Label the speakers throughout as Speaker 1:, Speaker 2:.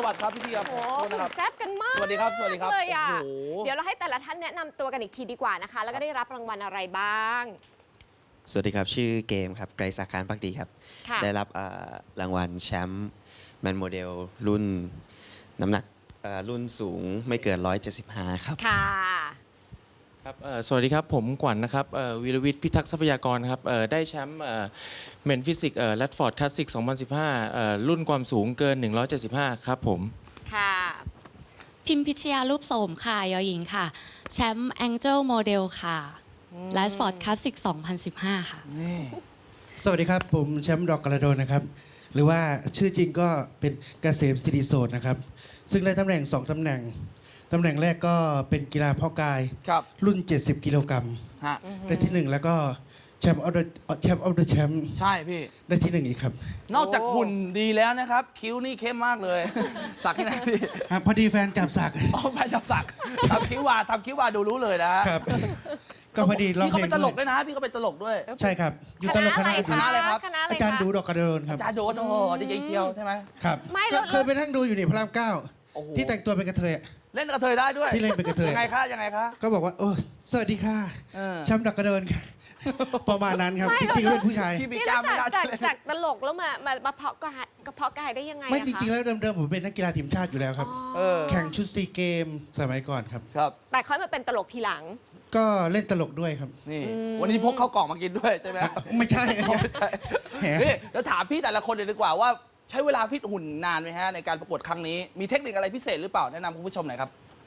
Speaker 1: วัสดีครับพี่ครับ
Speaker 2: โอ้โห
Speaker 1: นะครับ
Speaker 2: แซ่บกันมาก
Speaker 1: สวัสดีครับสวัสดีครับ
Speaker 2: เลยอ่ะ
Speaker 1: โอ้โห
Speaker 2: เดี๋ยวเราให้แต่ละท่านแนะนำตัวกันอีกทีดีกว่านะคะ แล้วก็ได้รับรางวัลอะไรบ้าง
Speaker 3: สวัสดีครับ ชื่อเกมครับ ไกรศักดิ์ คานภักดีครับ
Speaker 2: ค่ะ
Speaker 3: ได้รับรางวัลแชมป์แมนโมเดลรุ่นน้ำหนักรุ่นสูงไม่เกิน 175 ครับ
Speaker 2: ค่ะ
Speaker 4: ครับสวัสดีครับผมกวันนะครับวีรวิทย์พิทักษ์ทรัพยากรครับได้แชมป์เมนฟิสิกแรดฟอร์ดคลาสสิก 2015 รุ่นความสูงเกิน 175 ครับผม
Speaker 2: ค่ะ
Speaker 5: พิมพิชยารูปโสมค่ะยอหญิงค่ะ แชมป์ Angel Model ค่ะ l a s f o r d Classic 2015 ค่ะ
Speaker 6: สวัสดีครับ ผมแชมป์ดอกกระโดนนะครับ หรือว่าชื่อจริงก็เป็นเกษมศิริโสดนะครับ ซึ่งได้ตำแหน่ง 2 ตำแหน่ง ตำแหน่งแรกก็เป็นกีฬาเพาะกาย
Speaker 1: ครับ
Speaker 6: รุ่น 70 กิโลกรัม
Speaker 1: ฮะ
Speaker 6: ได้ที่ 1 แล้วก็แชมป์ออฟเดอะแชมป์
Speaker 1: ใช่พี่
Speaker 6: ได้ที่ 1 อีกครับ
Speaker 1: นอกจากหุ่นดีแล้วนะครับ คิ้วนี่เข้มมากเลย สักที่ไหนพี่
Speaker 6: ฮะพอดีแฟนจับสัก
Speaker 1: อ๋อแฟนจับสักทำคิ้ววาดูรู้เลยนะฮะ
Speaker 6: ครับ ก็พอดีร้อง
Speaker 1: พี่
Speaker 6: เพ
Speaker 1: เขา
Speaker 6: ล
Speaker 1: เป็
Speaker 6: ง
Speaker 1: นตลก
Speaker 6: ด้
Speaker 1: ด้
Speaker 6: ว
Speaker 1: วย ยนะ พี่เขาเป็นตลกด้วย
Speaker 6: ใช่ครับ อยู่ตลกคณะ
Speaker 1: คณะอะไรครับ
Speaker 2: คณะอะไร
Speaker 6: อาจารย์ดูดอกกระโดนครับ
Speaker 1: จ่าโดโอ้โหดีเจเคียวใช่ไหม
Speaker 6: ครับ
Speaker 2: ไม่
Speaker 6: ก็
Speaker 2: แล้ว
Speaker 6: เคยไปนั่งดูอยู่นี่พระราม
Speaker 1: โอ้โห
Speaker 6: 9ที่แต่งตัวเป็นกระเทยอะ
Speaker 1: เล่นกระเทยได้ด้วย
Speaker 6: ที่เล่นเป็นกระเทย
Speaker 1: ยังไงคะยังไงคะ
Speaker 6: ก็บอกว่าโอ้สวัสดีค่ะ
Speaker 1: เออ
Speaker 6: แชมป์ดอกกระโดนค่ะ ประมาณนั้นครับ จริงๆก็เป็นผู้ชาย
Speaker 1: พี่มี
Speaker 2: นี่
Speaker 1: กล้ามไม่
Speaker 2: แล้ว
Speaker 1: ได้
Speaker 2: จากตลกแล้วมาเพาะกายกระเพาะกายได้ยังไง
Speaker 6: ไม่
Speaker 2: อะ
Speaker 6: จริงๆ
Speaker 2: คะ
Speaker 6: แล้วเดิมๆผมเป็นนักกีฬาทีมชาติอยู่แล้วครับ
Speaker 1: เออ
Speaker 6: แข่งชุดซีเกมสมัยก่อนครับ
Speaker 1: ครับ
Speaker 2: แต่ค่อยมาเป็นตลกทีหลัง
Speaker 6: ก็เล่นตลกด้วยครับ
Speaker 1: นี่ วันนี้พกข้าวกล่องมากินด้วยใช่ไหม
Speaker 6: ไม่ใช่
Speaker 1: ไม่ใช่
Speaker 6: แหม
Speaker 1: นี่เดี๋ยวถามพี่แต่ละคนเลยดีกว่าว่าใช้เวลาฟิตหุ่นนานไหมฮะในการประกวดครั้งนี้ มีเทคนิคอะไรพิเศษหรือเปล่าแนะนำคุณผู้ชมหน่อยครับ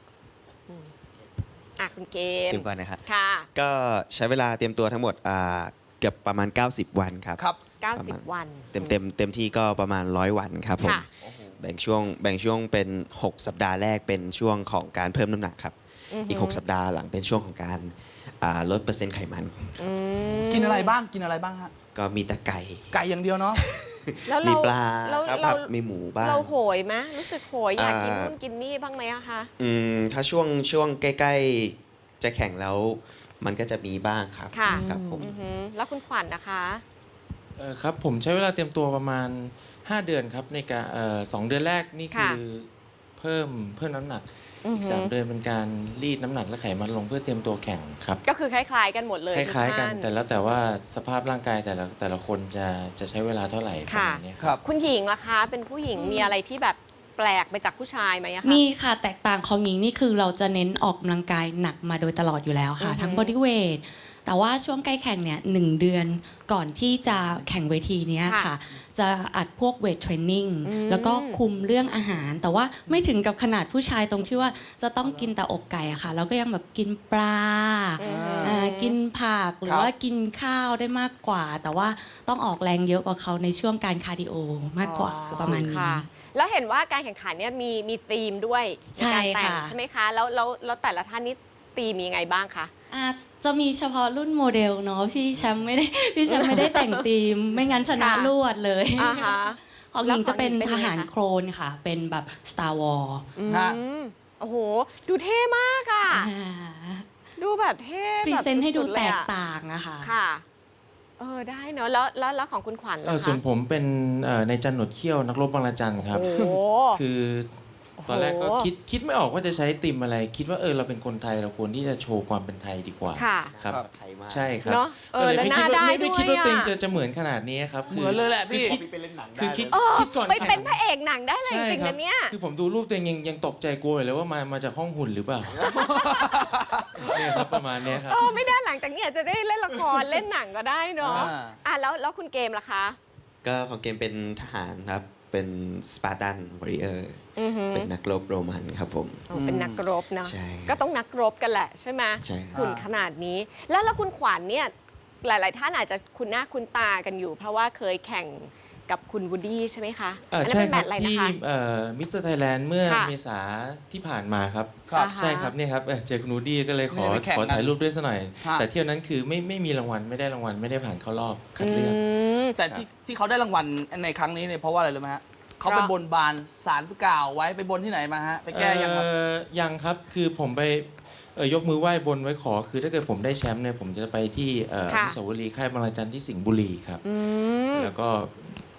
Speaker 2: อ่ะคุณเกม
Speaker 3: เตรียมก่อนนะครับ
Speaker 2: ค่ะ
Speaker 3: ก็ใช้เวลาเตรียมตัวทั้งหมดเกือบประมาณ 90 วันครับ
Speaker 1: ครับ
Speaker 2: 90 วัน
Speaker 3: เต็มที่ก็ประมาณ 100 วันครับผม
Speaker 2: ค่ะ
Speaker 3: แบ่งช่วงเป็น 6 สัปดาห์แรกเป็นช่วงของการเพิ่มน้ำหนักครับ อีก 6 สัปดาห์หลังเป็นช่วงของการลดเปอร์เซ็นต์ไขมัน
Speaker 1: กินอะไรบ้างฮะ
Speaker 3: ก็มีแต่ไก่
Speaker 1: ไก่อย่างเดียวเนาะ
Speaker 2: แล้ว
Speaker 3: มี
Speaker 2: เรา
Speaker 3: ปลา
Speaker 2: เรา
Speaker 3: ครับ
Speaker 2: เรา
Speaker 3: มีหมูบ้าง
Speaker 2: เราโหยไหมรู้สึกโหยอยากกิน
Speaker 3: อ่า
Speaker 2: นู่นกินนี่บ้างไหมอะคะ
Speaker 3: ถ้าช่วงใกล้ๆจะแข่งแล้วมันก็จะมีบ้างครับ
Speaker 2: ค่ะ
Speaker 3: ครับผม
Speaker 2: อือหือแล้วคุณขวัญนะคะ
Speaker 4: ครับผมใช้เวลาเตรียมตัวประมาณ 5 เดือนครับในการ2 เดือนแรกนี่คือเพิ่มน้ำหนัก อีก 3 เดือนเป็นการรีดน้ำหนักและไขมันลงเพื่อเตรียมตัวแข่งครับ
Speaker 2: ก็คือคล้ายๆกันหมดเลย
Speaker 4: คล้ายๆกัน
Speaker 2: ทุท่
Speaker 4: แต่แล้วแต่ว่าสภาพร่างกายแต่ละคนจะใช้เวลาเท่าไหร่ประมาณเนี้ยครับ
Speaker 1: ครับ
Speaker 2: คุณหญิงล่ะคะ เป็นผู้หญิงมีอะไรที่แบบแปลกไปจากผู้ชายไหมอะคะ
Speaker 5: มีค่ะแตกต่างของหญิงนี่คือเราจะเน้นออกกำลังกายหนักมาโดยตลอดอยู่แล้วค่ะ
Speaker 2: อือฮึ
Speaker 5: ทั้งบอดี้เวทแต่ว่าช่วงใกล้แข่งเนี่ย1 เดือนก่อนที่จะแข่งเวทีเนี้ยค่ะ จะอัดพวกเวทเทรนนิ่งแล้วก็คุมเรื่องอาหาร แต่ว่าไม่ถึงกับขนาดผู้ชายตรงที่ว่าจะต้องกินแต่อกไก่อะค่ะเราก็ยังแบบกินปลากินผักหรือว่ากินข้าวได้มากกว่า แต่ว่าต้องออกแรงเยอะกว่าเขาในช่วงการคาร์ดิโอมากกว่าประมาณนี้
Speaker 2: ค่ะ แล้วเห็นว่าการแข่งขันเนี่ยมีธีมด้วย
Speaker 5: ใช่
Speaker 2: การแต่ง
Speaker 5: ค่ะ
Speaker 2: ใช่ไหมคะแล้วแต่ละท่านนี่ธีมมียังไงบ้างคะ
Speaker 5: จะมีเฉพาะรุ่นโมเดลเนาะพี่แชมป์ไม่ได้แต่งธีม ไม่งั้นชนะ
Speaker 2: ค่ะ
Speaker 5: รวดเลย
Speaker 2: อ่าฮะ
Speaker 5: ของหญิงจะเป็น
Speaker 2: แล้วของหญิงเป็น
Speaker 5: ทหาร
Speaker 2: ยังไงคะ
Speaker 5: โครนค่ะ เป็นแบบ Star War
Speaker 1: ฮะ
Speaker 2: โอ้โห ดูเท่มากอะดูแบบเท่
Speaker 5: พรี
Speaker 2: แบบ
Speaker 5: เซนต์ให้ดู
Speaker 2: สุๆ
Speaker 5: แต
Speaker 2: เลย
Speaker 5: ก
Speaker 2: อะ
Speaker 5: ต่างอะค่ะ
Speaker 2: ค่ะ ได้เนอะแล้วของคุณขวัญล่ะคะ
Speaker 4: ส่วนผมเป็นในจันหนวดเขี้ยวนักรบบางระจันครับ
Speaker 2: โอ้โห
Speaker 4: คือตอนแรกก็
Speaker 2: โอ้โห
Speaker 4: คิดไม่ออกว่าจะใช้ติมอะไร คิดว่าเราเป็นคนไทยเราควรที่จะโชว์ความเป็นไทยดีกว่า
Speaker 2: ค่ะ
Speaker 4: ครับ
Speaker 3: ไทยมาก
Speaker 4: ใช่ครับ
Speaker 2: เนอะ
Speaker 4: ก็เลย
Speaker 2: แล้ว
Speaker 4: ไม่
Speaker 2: ห
Speaker 4: คิ
Speaker 2: น้า
Speaker 4: ดว่า
Speaker 2: ได้
Speaker 4: ไม่คิดว่า
Speaker 2: ด้วย
Speaker 4: ตัวเอง
Speaker 2: อะ
Speaker 4: จะเหมือนขนาดนี้ครับ
Speaker 1: เหมือนเลยแหละพี่
Speaker 4: คือคิดก่อน
Speaker 2: ไปเป็น
Speaker 4: แข่ง
Speaker 2: พระเอกหนังได้เลยจ
Speaker 4: ใช่
Speaker 2: ริง
Speaker 4: ค
Speaker 2: ๆ
Speaker 4: รับ
Speaker 2: นะเนี่ย
Speaker 4: คือผมดูรูปตัวเองยังตกใจกลัวอยู่เลยว่ามาจากห้องหุ่นหรือเปล่าเนี่ยครับประมาณเนี้ยครับ
Speaker 2: ไม่ได้หลังจากนี้อาจจะได้เล่นละคร เล่นหนังก็ได้เนาะ แล้วคุณเกมล่ะคะ
Speaker 3: ก็ของเกมเป็นทหารครับ เป็นสปาร์ตันวอริเออร์
Speaker 2: อือหือ
Speaker 3: เป็นนักรบโรมันครับผม
Speaker 2: เป็นนักรบนะ
Speaker 3: ใช่
Speaker 2: ก็ต้องนักรบกันแหละใช่ไหม
Speaker 3: ใช่ครับ
Speaker 2: หุ่นขนาดนี้ แล้วคุณขวัญเนี่ยหลาย ๆ ท่านอาจจะคุ้นหน้าคุ้นตากันอยู่ เพราะว่าเคยแข่งกับคุณวูดดี้ใช่ไหมคะอันนั้น
Speaker 4: ใช่
Speaker 2: เป็น
Speaker 4: ค
Speaker 2: แม
Speaker 4: รั
Speaker 2: ต
Speaker 4: บ
Speaker 2: ช์อะไรนะ
Speaker 4: ที่
Speaker 2: คะ
Speaker 4: มิสเตอร์ไทยแลนด์เมื่อ
Speaker 2: ค่ะ
Speaker 4: เมษาที่ผ่านมาครับ
Speaker 1: ครับ
Speaker 2: อ่าฮะ
Speaker 4: ใช่ครับเนี่ยครับเจอคุณนูดี้ก็เลยขอ
Speaker 1: ไม่ได้แข่ง
Speaker 4: ขอ
Speaker 1: กัน
Speaker 4: ถ่ายรูปด้วยซะหน่อย
Speaker 1: ฮะ
Speaker 4: แต่เที่ยวนั้นคือไม่มีรางวัลไม่ได้รางวัลไม่ได้ผ่านเข้ารอบคัดเลือก
Speaker 1: แต่ที่เขาได้รางวัลในครั้งนี้เนี่ยเพราะว่าอะไรรู้ไหมฮะเขาไปบนบานสารกล่าวไว้ไปบนที่ไหนมาฮะไปแก้ยังครับ
Speaker 4: ยังครับคือผมไปยกมือไหว้บนไว้ขอ คือถ้าเกิดผมได้แชมป์เนี่ยผมจะไปที่อ
Speaker 2: ค่ะ
Speaker 4: นุสาวรีย์ค่ายบางระจันที่สิงห์บุรีครับ แล้วก็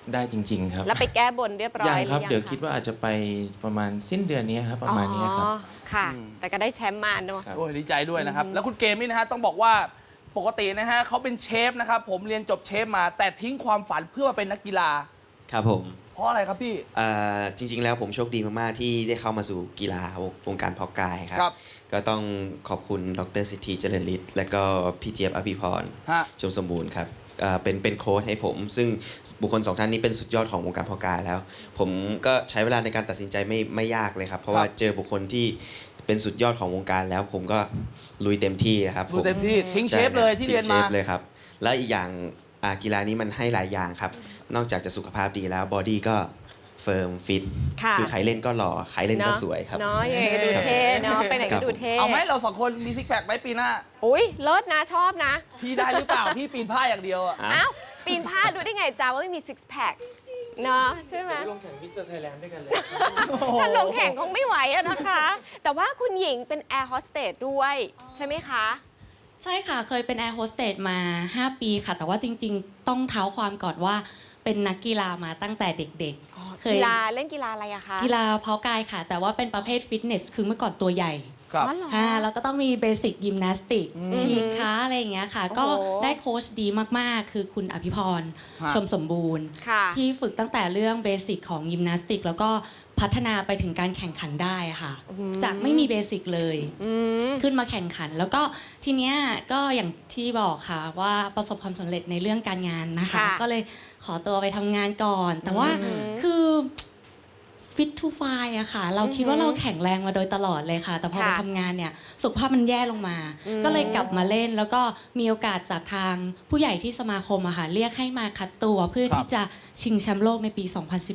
Speaker 4: ได้จริง ๆ ครับ
Speaker 2: แล้วไปแก้บนเรียบร้อย
Speaker 4: ยังครับ
Speaker 2: หอ
Speaker 4: เดี๋ยวคิดว่าอาจจะไปประมาณสิ้นเดือนนี้ครับประมาณนี้ครับ
Speaker 2: อ๋อค่ะ แต่ก็ได้แชมป์มาเนอะ
Speaker 4: ครับ
Speaker 1: โอ้ยดีใจด้วยนะครับ แล้วคุณเกมนี่นะฮะต้องบอกว่าปกตินะฮะเขาเป็นเชฟนะครับ ผมเรียนจบเชฟมา แต่ทิ้งความฝันเพื่อมาเป็นนักกีฬา
Speaker 3: ครับผม
Speaker 1: เพราะอะไรครับพี่
Speaker 3: จริง ๆ แล้วผมโชคดีมาก ๆ ที่ได้เข้ามาสู่กีฬาวงการเพาะกายครับ
Speaker 1: ครับ
Speaker 3: ก็ต้องขอบคุณดรสิทธิเจริญฤทธิ์และก็พี่เจี๊ยบอภิพร
Speaker 1: ฮะ
Speaker 3: ชมสมบูรณ์ครับเป็นโค้ชให้ผม ซึ่งบุคคลสองท่านนี้เป็นสุดยอดของวงการเพาะกายแล้ว ผมก็ใช้เวลาในการตัดสินใจไม่ยากเลยครับ เพราะว่าเจอบุคคลที่เป็นสุดยอดของวงการแล้ว ผมก็ลุยเต็มที่ครับ
Speaker 1: ดูเต็มที่ทิ้งเชฟ
Speaker 3: ใครับ
Speaker 1: เลยที่เรียน
Speaker 3: ทิ้
Speaker 1: มา
Speaker 3: งเชฟเลยครับ และอีกอย่างกีฬานี้มันให้หลายอย่างครับ นอกจากจะสุขภาพดีแล้วบอดี้ก็เฟิร์มฟิต
Speaker 2: ค่ะ
Speaker 3: คือใครเล่นก็หล่อใครเล่นก็สวยครับ
Speaker 2: เนาะยังไงก็ดูเท่เนาะไปไหนก็ดูเท่
Speaker 1: เอาไหมเราสองคนมีซิกแพคไหมปีหน้า
Speaker 2: อุ้ยเลิศนะชอบนะ
Speaker 1: พี่ได้หรือเปล่า พี่ปีนผ้าอย่างเดียวอะ
Speaker 2: อ้าวปีนผ้าดูได้ไงจ้าว่าไม่มีซิกแพคเนาะใช่ไหม
Speaker 4: ลงแข่งมิสเตอร์ไทยแลนด์ด้วยกันเลย
Speaker 2: ถ้าลงแข่งคงไม่ไหวอะนะคะ แต่ว่าคุณหญิงเป็นแอร์โฮสเตสด้วยใช่ไหมคะ
Speaker 5: ใช่ค่ะ เคยเป็นแอร์โฮสเตสมา 5 ปีค่ะ แต่ว่าจริงๆ ต้องเท้าความก่อนว่าเป็นนักกีฬามาตั้งแต่เด็กๆ
Speaker 2: กีฬาเล่นกีฬาอะไรอะคะ
Speaker 5: กีฬาเพาะกายค่ะ แต่ว่าเป็นประเภทฟิตเนส คือเมื่อก่อนตัวใหญ่
Speaker 1: ครับ
Speaker 2: อ๋อเหรอ
Speaker 5: แล้วก็ต้องมีเบสิกยิมนาสติก ฉีกขาอะไรอย่างเงี้ยค่ะ
Speaker 2: โอ้โห
Speaker 5: ก็ได้โค้ชดีมากๆ คือคุณอภิพร
Speaker 1: ฮะ
Speaker 5: ชมสมบูรณ์
Speaker 2: ค่ะ
Speaker 5: ที่ฝึกตั้งแต่เรื่องเบสิกของยิมนาสติก แล้วก็พัฒนาไปถึงการแข่งขันได้ค่ะ จากไม่มีเบสิกเลย
Speaker 2: อืม
Speaker 5: ขึ้นมาแข่งขัน แล้วก็ทีเนี้ยก็อย่างที่บอกค่ะว่าประสบความสำเร็จในเรื่องการงานนะคะ
Speaker 2: ค่ะ
Speaker 5: ก็เลยขอตัวไปทำงานก่อน แต่ว่าคือฟิตทูไฟอะค่ะ เราคิดว่าเราแข็งแรงมาโดยตลอดเลยค่ะ แต่พอไปทำงานเนี่ยสุขภาพมันแย่ลงมา ก็เลยกลับมาเล่น แล้วก็มีโอกาสจากทางผู้ใหญ่ที่สมาคมอะค่ะเรียกให้มาคัดตัวเพื่อ
Speaker 1: ครับ
Speaker 5: ที่จะชิงแชมป์โลกในปี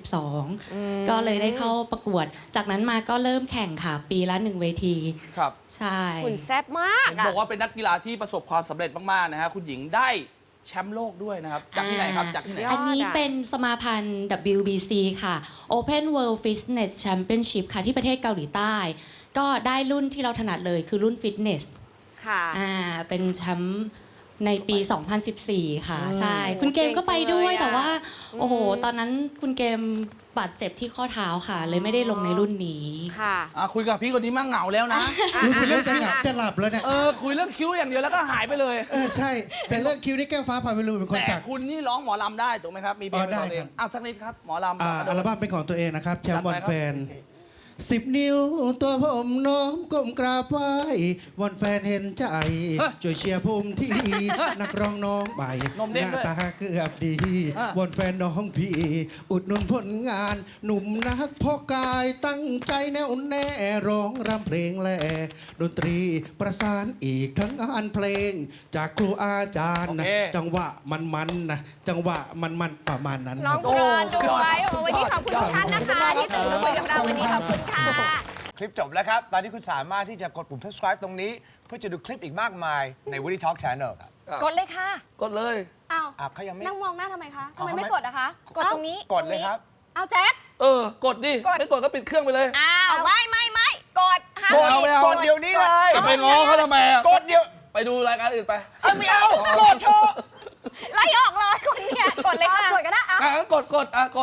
Speaker 5: 2012 ก็เลยได้เข้าประกวด จากนั้นมาก็เริ่มแข่งค่ะ ปีละ1 เวที
Speaker 1: ครับ
Speaker 5: ใช่
Speaker 2: หุ่นแซ่บมาก
Speaker 1: เห็น
Speaker 2: อะ
Speaker 1: บอกว่าเป็นนักกีฬาที่ประสบความสำเร็จมากๆนะฮะคุณหญิงได้แชมป์โลกด้วยนะครับ จากที่ไหนครับ จากที่ไหน
Speaker 5: อันนี้เป็นสมาพันธ์ WBC ค่ะ Open World Fitness Championship ค่ะที่ประเทศเกาหลีใต้ ก็ได้รุ่นที่เราถนัดเลยคือรุ่นฟิตเนส
Speaker 2: ค่ะ
Speaker 5: เป็นแชมป์ในปี 2014 ค่ะ ใช่ คุณเกมก็ไปด้วย
Speaker 2: เก่งจังเลยอะ
Speaker 5: แต่ว่า โอ้โห ตอนนั้นคุณเกมบาดเจ็บที่ข้อเท้าค่ะ เลยไม่ได้ลงในรุ่นนี้
Speaker 2: ค่ะ
Speaker 1: คุยกับพี่คนนี้มั่งเหงาแล้วนะ
Speaker 6: รู้สึกว่าจะหลับแล้วเนี่ย
Speaker 1: คุยเรื่องคิ้วอย่างเดียวแล้วก็หายไปเลย
Speaker 6: ใช่ แต่เรื่องคิวนี่แก้วฟ้าพาไปรูเป็นคน
Speaker 1: แต่
Speaker 6: สัก
Speaker 1: คุณนี่ร้องหมอลำได้ถูกไหมครับ มีเพลงเป็นของตัวเอง
Speaker 6: ได้ครับ
Speaker 1: สักนิดครับ หมอลำ
Speaker 6: อัลบั้มเป็นของตัวเองนะครับ แชมป์
Speaker 1: จั
Speaker 6: ว
Speaker 1: ด
Speaker 6: อ
Speaker 1: ไป
Speaker 6: น
Speaker 1: ครับ
Speaker 6: แฟน 10 นิ้วตัวผมน้อมก้มกราบไหว้วอนแฟนเห็นใจ ช่วยเชียร์ภูมิที่ นักร้องน้องใหม่
Speaker 1: นมเด้ง
Speaker 6: ห
Speaker 1: ด้วย
Speaker 6: น้าตาเกือบดี
Speaker 1: อ่ะ
Speaker 6: วอนแฟนน้องพี่ อุดหนุนผลงาน หนุ่มนักพ่อกายตั้งใจแน่วแน่ร้องรำเพลงแหล่ดนตรีประสานอีกทั้งงานเพลง จากครูอาจารย์นะ
Speaker 1: โอเค
Speaker 6: จังหวะมันนะจังหวะมันประมาณนั้น
Speaker 2: น้อง
Speaker 6: ครับ
Speaker 2: กรอนด้วยโอ้วันนี้ขอบคุณทุกท่านนะคะที่ตื่นมาคุยกับเราวันนี้ขอบคุณค่ะ
Speaker 7: คลิปจบแล้วครับ ตอนนี้คุณสามารถที่จะกดปุ่ม subscribe ตรงนี้ เพื่อจะดูคลิปอีกมากมายใน Woody Talk Channel ครับ
Speaker 2: กดเลยค่ะ
Speaker 1: กดเลย
Speaker 2: อ้าว
Speaker 7: เขายังไม่
Speaker 2: นั่งมองหน้าทำไมคะทำไม
Speaker 7: เอา
Speaker 2: ไม่
Speaker 7: ทำไม
Speaker 2: กดอะคะ กดตรงนี้
Speaker 7: กดเลยครับ
Speaker 2: เอาแจ็ค
Speaker 1: กดดิ ไม่กดก็ปิดเครื่องไปเลย
Speaker 2: อ้าวไม่กดห้าม
Speaker 1: กดเอาไม่เอา
Speaker 7: กดเดี๋ยวนี้เลย
Speaker 1: จะไปง้อเขาทำไมอะ
Speaker 7: กดเดี๋ยว
Speaker 1: ไปดูรายการอื่นไป
Speaker 7: ไม่เอา กดเถอะ
Speaker 2: ไล่ออกเลยคนเนี่ยกดเลยค่ะ กดก็ได้
Speaker 1: งั้นกด